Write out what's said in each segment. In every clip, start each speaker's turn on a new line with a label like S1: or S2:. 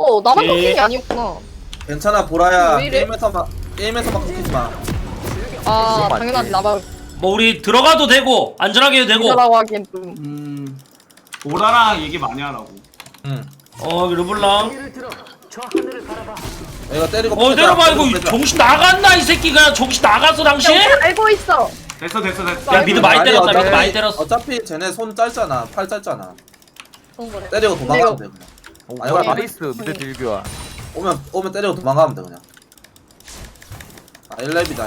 S1: 나만
S2: 예.
S1: 끊긴 게 아니었구나.
S3: 괜찮아 보라야.
S1: 왜 이래?
S3: 게임에서만 끊기지 마.
S1: 아,
S4: 그건 맞지.
S1: 당연하지. 나만
S2: 뭐 우리 들어가도 되고 안전하게 해도 되고.
S1: 이거라고 하기엔 좀.
S5: 보라랑 얘기 많이 하라고.
S3: 응.
S2: 르블랑.
S3: 이거 때리고.
S2: 때려봐. 이거
S3: 빼자.
S2: 정신 나갔나 이 새끼가. 정신 나갔어 당신?
S1: 알고 있어.
S5: 됐어.
S2: 야 미드 많이 때렸다.
S3: 어차피-
S2: 미드 많이 때렸어.
S3: 어차피 쟤네 손 짧잖아. 팔 짧잖아.
S1: 그런 거래.
S3: 때리고 도망가면 돼 그냥.
S4: 오,
S3: 아이고,
S4: 나이스 미드 딜교야.
S3: 오면 때리고 도망가면 돼 그냥. 아 1렙이다잉.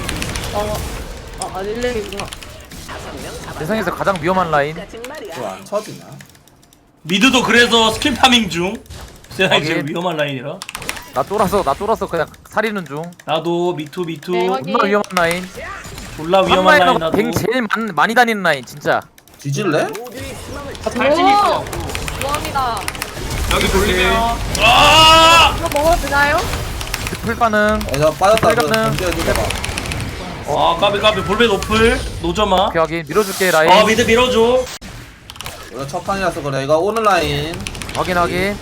S1: 릴레이구나.
S4: 세상에서 가장 위험한 라인.
S3: 그거 안 쳐지냐?
S2: 미드도 그래서 스킬 파밍 중. 세상에 제일
S4: 확인.
S2: 위험한 라인이라.
S4: 나 쫄아서 그냥 살리는 중.
S2: 나도 미투.
S1: 네, 확인.
S4: 존나 위험한 라인.
S2: 졸라 위험한 라인
S4: 한라인으로
S2: 나도.
S4: 뱅 제일 많이 다니는 라인 진짜.
S3: 뒤질래?
S5: 탈진 있어.
S1: 좋아합니다.
S5: 여기 돌리면
S2: 아!
S1: 이거 먹어도 되나요?
S4: 풀 가능.
S3: 저 빠졌다.
S4: 빨간은-
S3: 견제해줘봐.
S2: 아 까비 볼베 노플 노점아.
S4: 오케이 확인. 밀어줄게 라인.
S2: 미드 밀어줘.
S3: 우리가 첫 판이라서 그래. 이거 오는 라인.
S4: 확인.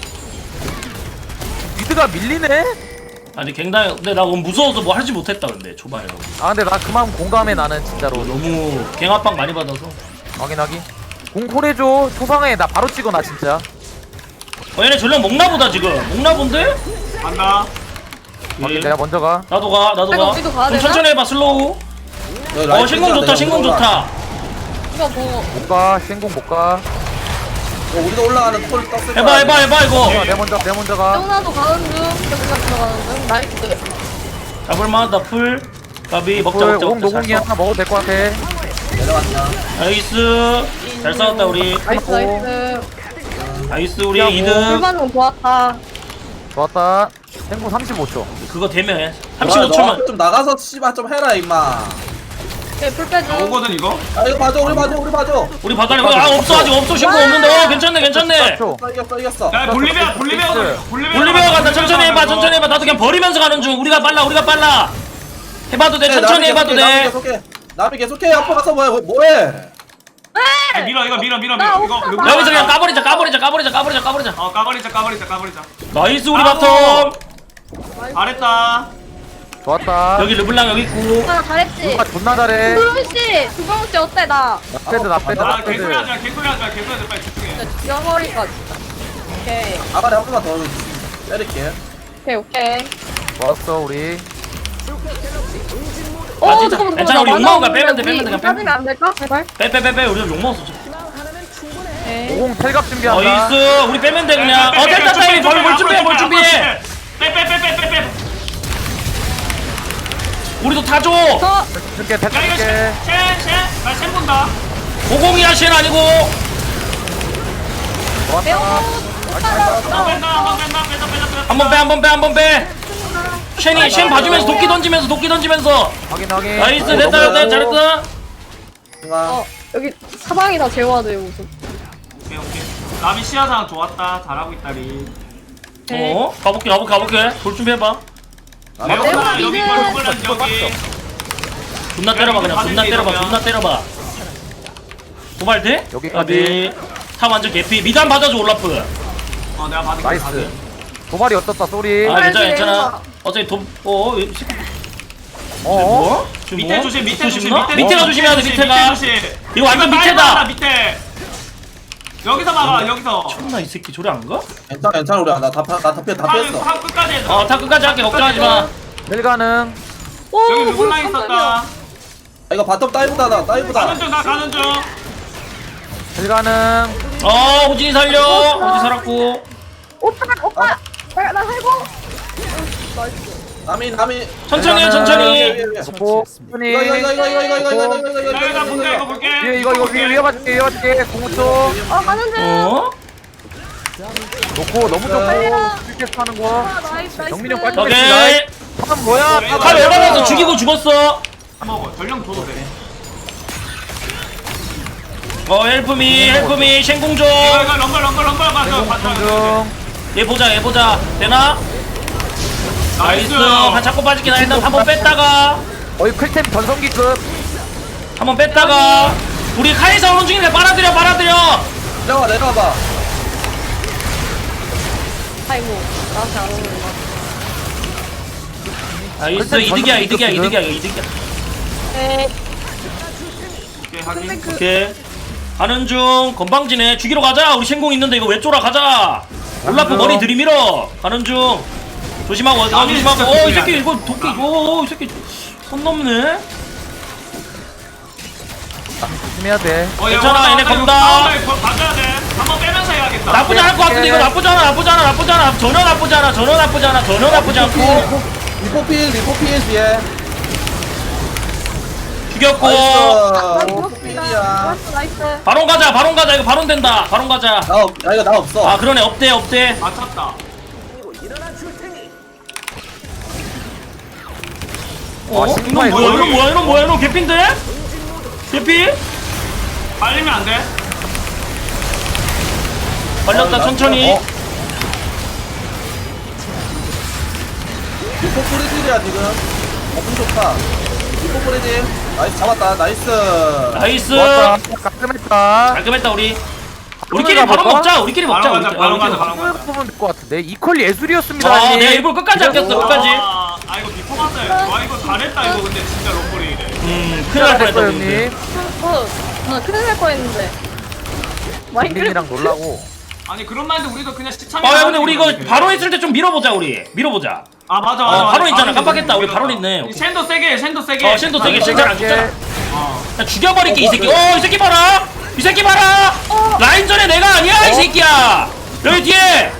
S4: 미드가 밀리네?
S2: 아니 갱당. 근데 나 너무 무서워서 뭐 하지 못했다 근데 초반에.
S4: 아 근데 나 그만 공감해 나는 진짜로.
S2: 너무 갱압박 많이 받아서.
S4: 확인. 공콜해줘. 초상해. 나 바로 찍어 나 진짜.
S2: 얘네 전령 먹나보다 지금. 먹나본데?
S5: 간다.
S4: 확인.
S2: 예.
S4: 내가 먼저 가.
S2: 나도 가.
S1: 우리도 가야
S2: 좀
S1: 되나?
S2: 천천히 해봐 슬로우.
S3: 여기 라인
S2: 신공
S3: 뜯자,
S2: 좋다.
S3: 내가
S2: 신공
S3: 올라가.
S2: 좋다.
S1: 이거 뭐
S4: 못 가. 신공 못 가.
S3: 우리도 올라가는 콜 떴을
S2: 해봐
S3: 거야.
S2: 이거.
S4: 내가 먼저 가.
S1: 세훈아도 가는 중. 우리가 들어가는 중. 나이스.
S2: 잡을만하다 풀. 까비 먹자.
S4: 노공이 하나 먹어도 될 것 같아.
S3: 내려갔냐?
S2: 나이스. 잘 싸웠다 우리.
S1: 나이스.
S2: 나이스 우리
S4: 야,
S2: 2등.
S1: 불만은 좋았다.
S4: 좋았다. 생공 35초.
S2: 그거 되면 해.
S3: 너
S2: 35초만.
S3: 좀 나가서 씨발 좀 해라 임마.
S1: 오케이, 풀 빼줘.
S5: 오거든 이거.
S3: 아 이거 봐줘 우리 봐줘.
S2: 우리 바다리 없어 아직 없어. 신고 없는데. 괜찮네.
S4: 4초.
S3: 이겼어.
S5: 야 볼리베어
S2: 볼리베어 간다. 천천히 해봐. 나도 그냥 버리면서 가는 중. 우리가 빨라. 해봐도 돼. 천천히 해봐도 돼.
S3: 남이 계속해. 앞으로 가서 뭐해?
S5: 밀어 이거 밀어 이거.
S2: 여기서 그냥 까버리자.
S5: 까버리자.
S2: 나이스 우리
S5: 아이고.
S2: 바텀.
S5: 잘했다.
S4: 좋았다.
S2: 여기 르블랑 여기 있고.
S1: 아, 잘했지.
S4: 누가 존나 잘해.
S1: 두병 씨 어때 나?
S4: 나 빼드.
S5: 아 개소리 하지 마 빨리 집중해.
S1: 진짜 죽여버릴까 진짜. 오케이,
S3: 아가리 한 번만 더 때릴게.
S1: 오케이.
S4: 좋았어 우리.
S2: 아, 진짜. 괜찮아, 우리 욕먹은 거야. 빼면 돼, 그냥
S1: 빠지면 안 될까? 제발.
S2: 빼. 우리 욕 먹었어.
S1: 오케이.
S4: 50 텔갑 준비한다.
S2: 나이스. 우리 빼면 돼 그냥. 됐다. 뭘 준비해.
S5: 빼.
S2: 우리도 타줘.
S4: 줄게
S5: 야 이거
S4: 줄게.
S5: 나쉔 본다.
S2: 50이야 쉔 아니고.
S1: 매우
S4: 좋았다.
S5: 뺀다.
S2: 한번 빼. 쉔 봐주면서 도끼 던지면서.
S4: 확인.
S2: 나이스. 됐다. 잘했다.
S3: 어.
S1: 여기 사방이 다 제어가 돼요 무슨.
S5: 오케이. 나비 시야상 좋았다. 잘하고 있다리.
S2: 가볼게. 돌 준비해봐.
S5: 레오나 여기
S1: 미드.
S5: 골골란 여기.
S2: 존나 때려봐. 도발 돼?
S4: 여기까지.
S2: 타 완전 개피. 미단 받아줘 올라프.
S5: 내가 받을게.
S4: 나이스. 도발이 어떻다 쏘리.
S2: 괜찮아. 어차피 뭐? 지금
S5: 밑에
S2: 뭐?
S5: 조심.
S2: 밑에가 조심해야 돼. 밑에가. 이거 완전 밑에다.
S5: 밑에. 여기서 막아. 여기서.
S2: 존나 이 새끼 저리 안 가?
S3: 괜찮아 우리 나다 피했어.
S5: 한 끝까지 해줘.
S2: 타 끝까지 할게. 걱정하지 마.
S4: 텔 가능.
S5: 여기 르블랑 있었다.
S3: 아, 이거 바텀 다이브다.
S5: 나 가는 중.
S4: 텔 가능.
S2: 호진이 살려. 호진 살았고.
S1: 오빠. 나 살고. 나이스.
S3: 남이
S2: 천천히.
S4: 놓고. 순이.
S5: 나 볼게 이거 볼게.
S4: 이거 위에 맞을게. 공우초.
S1: 가는 중.
S4: 놓고 너무 좋고. 스킬캐스 하는 거.
S1: 나이스.
S4: 정민이 형 빨리
S2: 오케이.
S4: 참 뭐야?
S2: 칼 열받아서 죽이고 죽었어.
S5: 먹어. 전령 줘도 돼.
S2: 헬프미 쉔공조.
S5: 이거 럼블 가서
S4: 중.
S2: 얘 보자. 되나? 나이스. 자꾸 빠지긴 하. 일단 한번 뺐다가.
S4: 클템 전성기급.
S2: 우리 카이사 오는 중인데 빨아들여.
S3: 내려와봐.
S1: 아이고 나한테 안 오는 거.
S2: 나이스 이득이야 이득이야 이득이야 이득이야.
S1: 네.
S5: 오케이 확인.
S1: 근데 그
S2: 오케이 가는 중 건방지네. 죽이러 가자. 우리 신공 있는데 이거 왜 쫄아. 가자. 올라프 머리 들이밀어. 가는 중 조심하고 조심하고. 이 새끼 이거 도끼. 이 새끼 손 넘네.
S4: 조심해야 돼.
S2: 괜찮아, 얘네 건다.
S5: 봐줘야 돼. 한번 빼면서 해야겠다.
S2: 나쁘지 않을 것 같은데 이거 나쁘지 않아 전혀 나쁘지 않아 전혀 나쁘지 않고.
S3: 리포필 뒤에.
S2: 죽였고.
S3: 리포필이야.
S1: 나이스.
S2: 바론 가자 이거 바론 된다. 바론 가자.
S3: 나 이거 나 없어.
S2: 아 그러네 없대.
S5: 맞췄다.
S2: 이놈 뭐야 이놈 개핀데? 개피?
S5: 빨리면 안 돼.
S2: 걸렸다 천천히.
S3: 리포필이야 지금. 엄청 좋다. 리포필이. 나이스 잡았다. 나이스.
S2: 나이스.
S4: 좋았다. 깔끔했다.
S2: 깔끔했다 우리끼리 바로
S4: 가볼까?
S2: 먹자. 우리끼리 먹자.
S5: 바로 가자, 바로 가자, 바로
S4: 이걸 보면 될 것 같은데. 이퀄 예술이었습니다.
S2: 아
S4: 형님.
S2: 내가 일부러 끝까지 아꼈어 끝까지.
S5: 아 이거 비포 봤어요. 와 이거 잘했다 이거 근데 진짜 로컬이 이래.
S2: 큰일 날 뻔했다
S4: 형님.
S2: 근데.
S1: 나 큰일 날 뻔했는데.
S4: 링이랑 놀라고.
S5: 아니 그런 말인데 우리도 그냥 시참이.
S2: 야 근데 우리 이거 바론 있을 때 좀 밀어보자 우리. 밀어보자.
S5: 아 맞아.
S2: 바론 있잖아. 깜빡했다. 우리 바론 있네.
S5: 쉔도 세게.
S2: 쉔도 세게 진짜 안 죽잖아.
S5: 어.
S2: 야, 죽여버릴게 이 새끼. 이 새끼 봐라. 이 새끼 봐라. 라인전에 내가 아니야 이 새끼야. 여기 뒤에.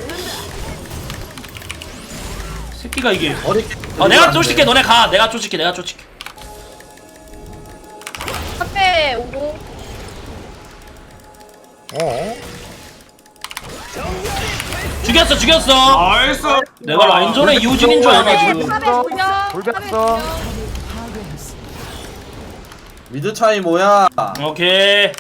S2: 새끼가 이게. 내가 쫓을게. 너네 가. 내가 쫓을게.
S1: 앞에 오고.
S2: 죽였어.
S5: 나이스.
S2: 내가 라인전에 이우진인 줄 알아 지금.
S4: 돌렸어.
S3: 미드 차이 뭐야?
S2: 오케이.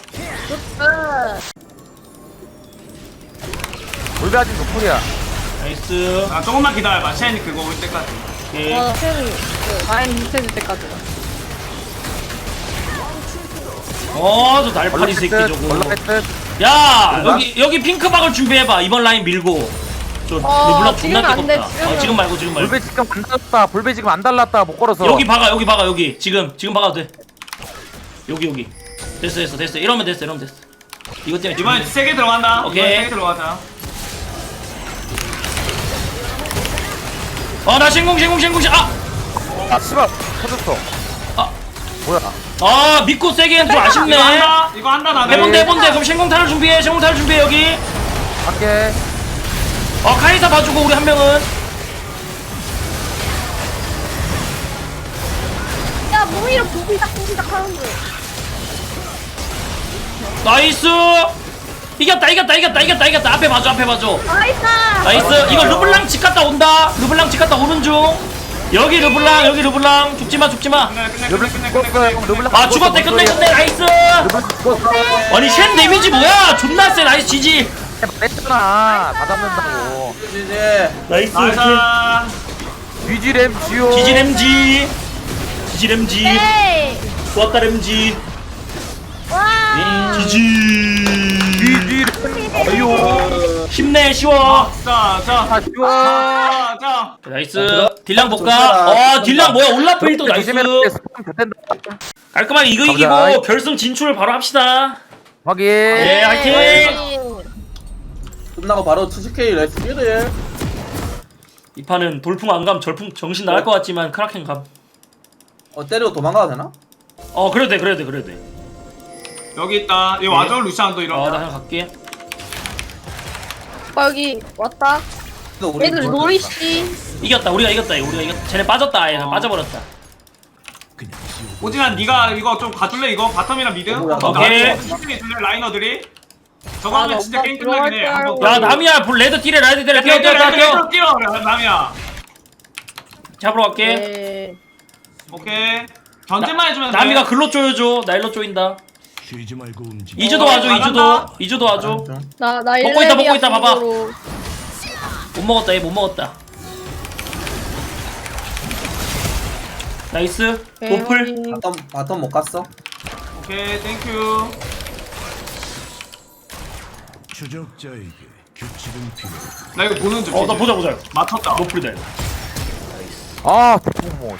S4: 돌배아진 노플이야.
S2: 나이스.
S5: 아 조금만 기다려봐. 쉔 그거 올 때까지.
S2: 오케이.
S1: 와, 팬 라인 밑에 줄 때까지.
S2: 저 날파리 새끼 저거.
S4: 올라갔듯.
S2: 야 여기 핑크박을 준비해봐. 이번 라인 밀고. 저 르블랑 존나
S1: 지금 안 돼,
S2: 뜨겁다. 지금 말고.
S4: 볼배 지금 안 달랐다. 볼배 지금 안 달랐다. 못 걸어서.
S2: 여기 박아. 여기 지금 박아도 돼. 여기 됐어. 이러면 됐어. 이것 때문에
S5: 이번에 세게 들어간다.
S2: 오케이.
S5: 이번에 세게 들어가자.
S2: 나 신공.
S4: 아 씨발 터졌어.
S2: 아.
S4: 뭐야?
S2: 믿고 세게 좀 아쉽네.
S5: 이거 한다 나는.
S2: 해본대. 그럼 신공탄을 준비해. 여기.
S4: 갈게.
S2: 카이사 봐주고 우리 한 명은.
S1: 야, 뭐 이렇게 부비닥 하는 거야.
S2: 나이스. 이겼다. 앞에 봐줘. 나이스. 이거 르블랑 집 갔다 온다. 오는 중. 여기 르블랑. 죽지마.
S4: 르블랑
S2: 아 죽었대. 끝내. 나이스. 아니 쉔 데미지 뭐야? 존나 세. 나이스 지지.
S4: 했잖아. 다 잡는다고.
S2: 나이스.
S4: 뒤지램 지오.
S2: 지지램지.
S1: 에이!
S2: 좋았다 램지.
S1: 와!
S2: 지지.
S4: 뒤지램. 아유.
S2: 힘내 쉬워.
S5: 자. 자.
S2: 나이스. 딜량 볼까? 딜량 뭐야? 올라프 1도 나이스. 깔끔하게 이거
S4: 가보자.
S2: 이기고 결승 진출 바로 합시다.
S4: 확인.
S2: 예, 화이팅.
S3: 끝나고 바로 70K 레스 1일.
S2: 이 판은 돌풍 안 감, 절풍 정신 나갈 것 같지만 크라켄 감.
S3: 때리고 도망가도 되나?
S2: 그래도 돼.
S5: 여기 있다. 여기 와줘 루시안도
S2: 나
S5: 이런.
S2: 그냥 갈게.
S1: 여기 왔다. 얘들 노리씨.
S2: 우리가 이겼다. 쟤네 빠졌다. 아예 빠져버렸다.
S5: 오진아 네가 이거 좀 가줄래 이거 바텀이랑 미드?
S2: 오케이.
S5: 천천히 줄래 라이너들이? 저거 하면 진짜
S1: 나
S5: 게임 끝나긴 해.
S1: 들어갈
S2: 야 남이야, 레드 딜에 뛰어.
S5: 뛰어 남이야.
S2: 잡으러 갈게.
S1: 네.
S5: 오케이. 전진만 해주면 돼.
S2: 남이가 글로 쪼여줘. 나 일로 쪼인다.
S6: 쉬지 말고 움직여.
S2: 이주도 와줘. 이주도 와줘.
S1: 나
S2: 먹고 있다, 봐봐.
S1: 정도로.
S2: 못 먹었다. 얘 못 먹었다. 나이스. 노플.
S3: 바텀 못 갔어?
S5: 오케이 땡큐.
S6: 추적자에게
S5: 나 이거 보는 중.
S2: 나 보자 보자.
S5: 맞췄다.
S2: 노플이다.
S4: 아 대포모.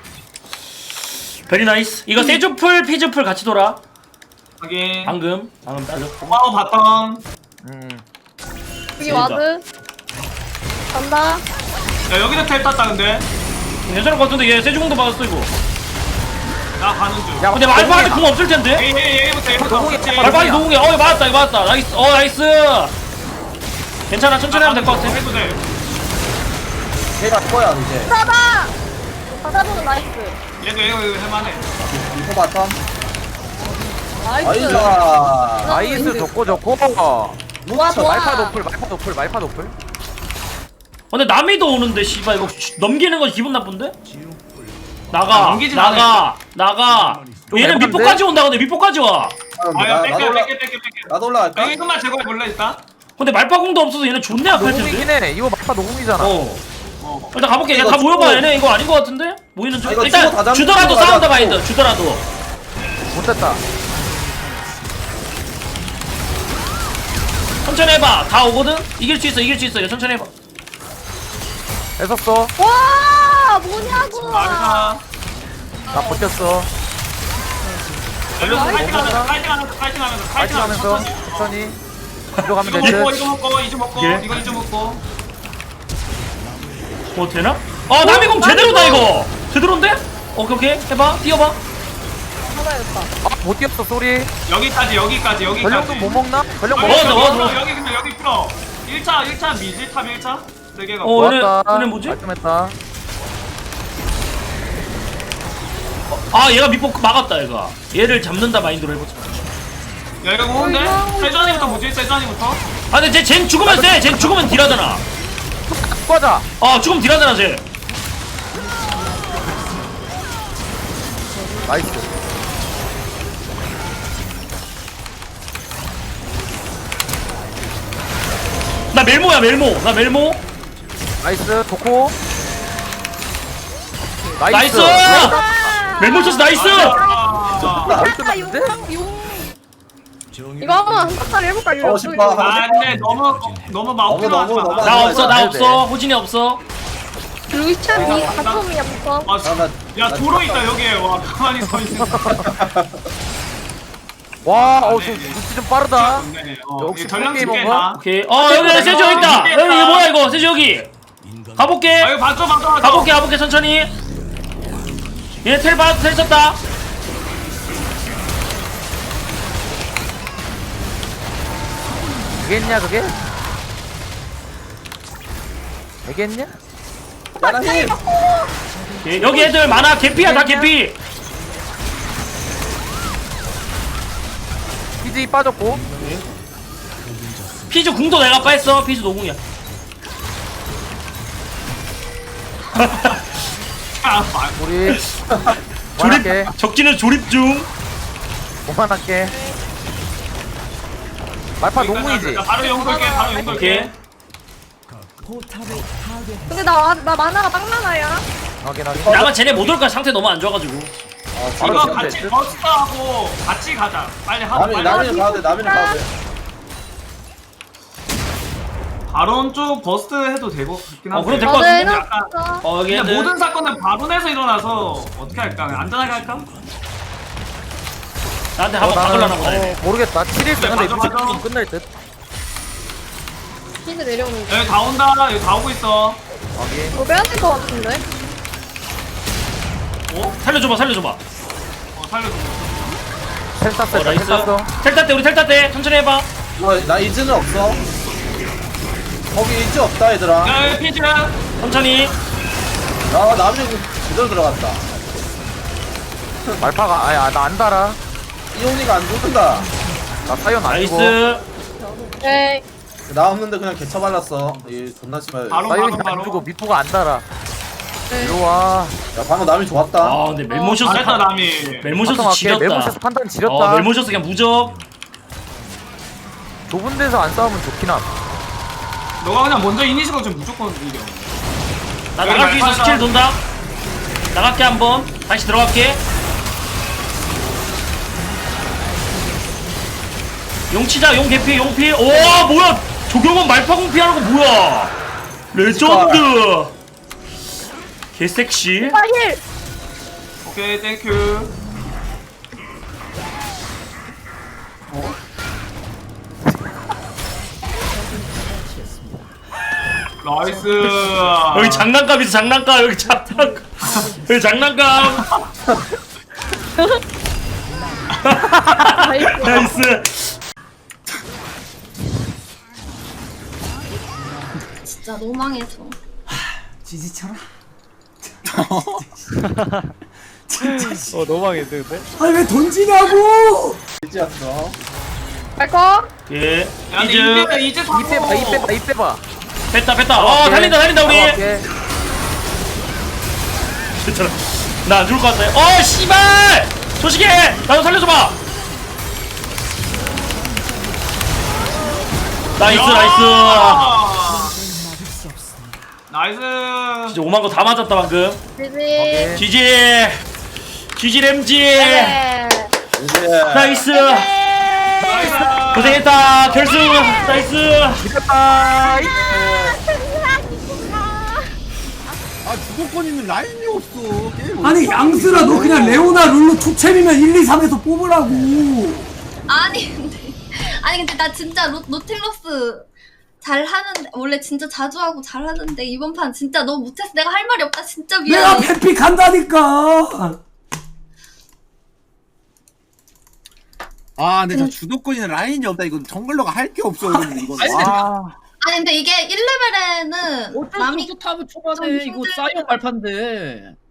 S2: 베리 나이스. 이거 세주풀 피주풀 같이 돌아.
S5: 확인.
S2: 방금 따져.
S5: 고마워 바텀.
S1: 여기 와드. 간다.
S5: 야 여기도 텔 땄다 근데.
S2: 괜찮을 것 같은데 얘 세주공도 받았어 이거.
S5: 나 가는 중.
S4: 야,
S2: 근데 말파한테 궁 없을 텐데.
S5: 얘부터 얘부터. 그렇지.
S2: 말파한테 노궁이야. 맞았다 이거 맞았다. 나이스. 나이스. 괜찮아 천천히 하면 될 것 같아.
S5: 해도 돼.
S3: 걔가 거야 이제.
S1: 받아. 받아보는 나이스.
S5: 얘도 할만해.
S3: 리포 바텀.
S1: 나이스.
S3: 아이자.
S4: 나이스 좋고 좋고.
S1: 좋아 좋아.
S4: 말파 노플.
S2: 근데 남이도 오는데 씨발 이거 넘기는 건 기분 나쁜데? 나가
S5: 넘기진
S2: 나가
S4: 좀
S2: 얘는
S4: 애매한데?
S2: 밑보까지 온다 근데 밑보까지 와.
S5: 아야
S3: 나도 올라.
S5: 뺄게.
S3: 나도 올라갈까?
S5: 여기 끝만 제거해 볼래 일단.
S2: 근데 말파공도 없어서 얘는 존내 아플
S4: 노공이긴
S2: 텐데.
S4: 해. 이거 말파 노공이잖아.
S2: 일단 가볼게.
S3: 이거
S2: 다 모여봐.
S3: 주고.
S2: 얘네 이거 아닌 것 같은데? 모이는 중.
S3: 이거
S2: 일단
S3: 주고 다 잡는
S2: 주더라도
S3: 거
S2: 싸운다
S3: 가자,
S2: 마인드. 주더라도.
S4: 못됐다.
S2: 천천히 해봐. 다 오거든. 이길 수 있어. 이거 천천히 해봐.
S4: 했었어.
S1: 와 뭐냐고.
S5: 마르사.
S4: 나 버텼어.
S5: 여기서
S4: 나이스. 파이팅 하면서
S5: 천천히.
S4: 천천히. 뒤로 가면
S5: 이거
S4: 될
S5: 먹고
S4: 듯.
S5: 이거 먹고
S2: 예.
S5: 이거 먹고.
S2: 뭐 되나? 남이공 제대로다 이거. 제대로인데? 오케이 해봐. 뛰어봐.
S1: 받아야겠다.
S4: 못 뛰었어 소리.
S5: 여기까지.
S4: 전령도 못 먹나? 전령
S2: 먹었어,
S4: 먹었어.
S2: 먹었어.
S5: 여기 근데 여기 풀어. 1차 미지 탑 1차. 3개가.
S2: 얘네 뭐지?
S4: 깔끔했다.
S2: 얘가 밑보 막았다 얘가. 얘를 잡는다 마인드로 해보자.
S5: 야 이거 오는데? 세주안이부터 뭐지? 세주안이부터?
S2: 근데 쟤 죽으면 돼. 쟤 죽으면 딜하잖아.
S4: 꺼자.
S2: 죽으면 딜하잖아 쟤.
S4: 나이스.
S2: 나 멜모야 멜모.
S4: 나이스 좋고.
S2: 나이스!
S1: 아.
S2: 멜모 쳐서 나이스!
S4: 거의
S1: 아,
S4: 끝났는데?
S1: 이거 한번 한 박자를 해볼까? 이거
S3: 싶어.
S5: 아 근데 너무 마우키로 하지 마.
S2: 나 없어 나
S4: 해야
S2: 없어. 호진이 없어.
S1: 루이차 미 바텀이야 바텀.
S5: 야 도로 있다 여기에. 와 가만히 서 있는 거.
S4: 와, 저 루치 좀 빠르다. 역시
S5: 전령
S4: 프로게이머인가?
S5: 집게 나.
S2: 오케이. 여기 세주 여기 있다. 여기 이게 뭐야 이거? 세주 여기. 가볼게.
S5: 아 이거 봐줘.
S2: 가볼게 천천히. 얘 텔 썼다.
S4: 되겠냐 그게? 되겠냐?
S3: 야나 힘.
S2: 오케이. 여기 애들 많아. 개피야 다 개피.
S4: 피지 빠졌고.
S2: 피즈 궁도 내가 뺐어. 피즈 노궁이야.
S4: 우리 그만할게.
S2: 적기는 조립 중.
S4: 그만할게. 말파 농무이지.
S5: 바로 용 걸게.
S2: 오케이.
S1: 근데 나 만화가 빵만화야.
S4: 확인.
S2: 나만 쟤네 못 올까 상태 너무 안 좋아가지고.
S4: 바로
S5: 이거
S4: 지금
S5: 같이
S4: 됐지?
S5: 버스트하고 같이 가자. 빨리 하고 빨리.
S3: 남이는 가도 돼. 남이는 가도 돼.
S5: 바론 쪽 버스트 해도 되고 같긴 한데.
S2: 그럼 될 것 같은데?
S5: 약간
S2: 여기
S5: 근데
S2: 애들.
S5: 모든 사건은 바론에서 일어나서 어떻게 할까? 그냥 안전하게 할까?
S2: 나한테 한번 박으려나 보네.
S4: 모르겠다. 7일 때 근데
S5: 맞아.
S4: 좀 끝날 듯.
S1: 힌드 내려오는 거.
S5: 여기 다 온다. 여기 다 오고 있어.
S4: 확인.
S1: 이거 빼야 될 것 같은데.
S2: 살려줘봐.
S5: 살려줘.
S4: 텔 땄어. 텔
S2: 나이스.
S4: 땄어.
S2: 텔 우리 텔 땄대. 천천히 해봐.
S3: 나 이즈는 없어. 거기 이즈 없다 얘들아.
S5: 야 여기 피즈.
S2: 천천히.
S3: 남이 제대로 들어갔다.
S4: 말파가 아야 나 안 달아.
S3: 이온이가 안 죽는다.
S4: 나 사연 아니고.
S2: 나이스.
S1: 네.
S3: 나 없는데 그냥 개쳐 발랐어. 이 존나 심해.
S5: 바로
S4: 사연이
S5: 바로.
S4: 안 주고 미포가 안 달아.
S1: 네.
S4: 이리 와.
S3: 야 방금 남이 좋았다.
S2: 근데 멜모셔스
S5: 잘했다 남이.
S2: 멜모셔스 지렸다.
S4: 메모셔스 판단 지렸다.
S2: 멜모셔스 그냥 무적.
S4: 좁은 데서 안 싸우면 좋긴 함.
S5: 너가 그냥 먼저 이니시가 좀 무조건 이겨.
S2: 나
S5: 여기
S2: 나갈 수 있어.
S5: 말파다.
S2: 스킬 돈다. 나갈게 한번. 다시 들어갈게. 용 치자. 용 개피. 용 필. 오 뭐야? 조경원 말파공 피하는 거 뭐야? 레전드. 개섹시.
S1: 아, 힐!
S5: 오케이 땡큐. 나이스.
S2: 여기 장난감 있어 장난감 여기 장난감 여기 장난감. 나이스.
S6: 진짜 너무 망해서.
S7: 지지쳐라.
S4: 너무 망했는데?
S7: 아니 왜 던지냐고!
S3: 일지였어.
S1: 발커?
S2: 예.
S5: 야 근데
S2: 이즈.
S5: 이제
S4: 이 빼봐 이 빼봐 이 빼봐
S2: 뺐다 뺐다. 어 달린다 달린다 우리.
S4: 오케이.
S2: 괜찮아. 나 안 죽을 것 같아. 어 씨발. 조식해. 나도 살려줘봐. 나이스 나이스.
S5: 나이스.
S2: 진짜 오만 거 다 맞았다 방금.
S1: 지지.
S2: GG. GG 램지.
S1: 네.
S3: 이제
S2: 나이스.
S5: 나이스.
S2: 고생했다. 결승. 나이스.
S4: 이겼다
S8: 아 주도권이면 라인이 없어 게임.
S7: 아니 양스라 너 그냥 레오나 룰루 투챔이면 1, 2, 3에서 뽑으라고.
S6: 아니 근데 나 진짜 노틸러스 잘하는데 원래 진짜 자주 하고 잘하는데 이번 판 진짜 너무 못해서 내가 할 말이 없다. 진짜
S7: 내가
S6: 미안해.
S7: 뱀픽 한다니까.
S8: 아 근데 저 주도권이는 라인이 없다. 이건 정글러가 할 게 없어. 이거는 이건.
S6: 아니 근데 이게 1레벨에는
S9: 어쩔 수
S6: 남이
S9: 없어 탑을
S6: 좀
S9: 초반에 이거
S6: 힘들다.
S9: 사이언 발판데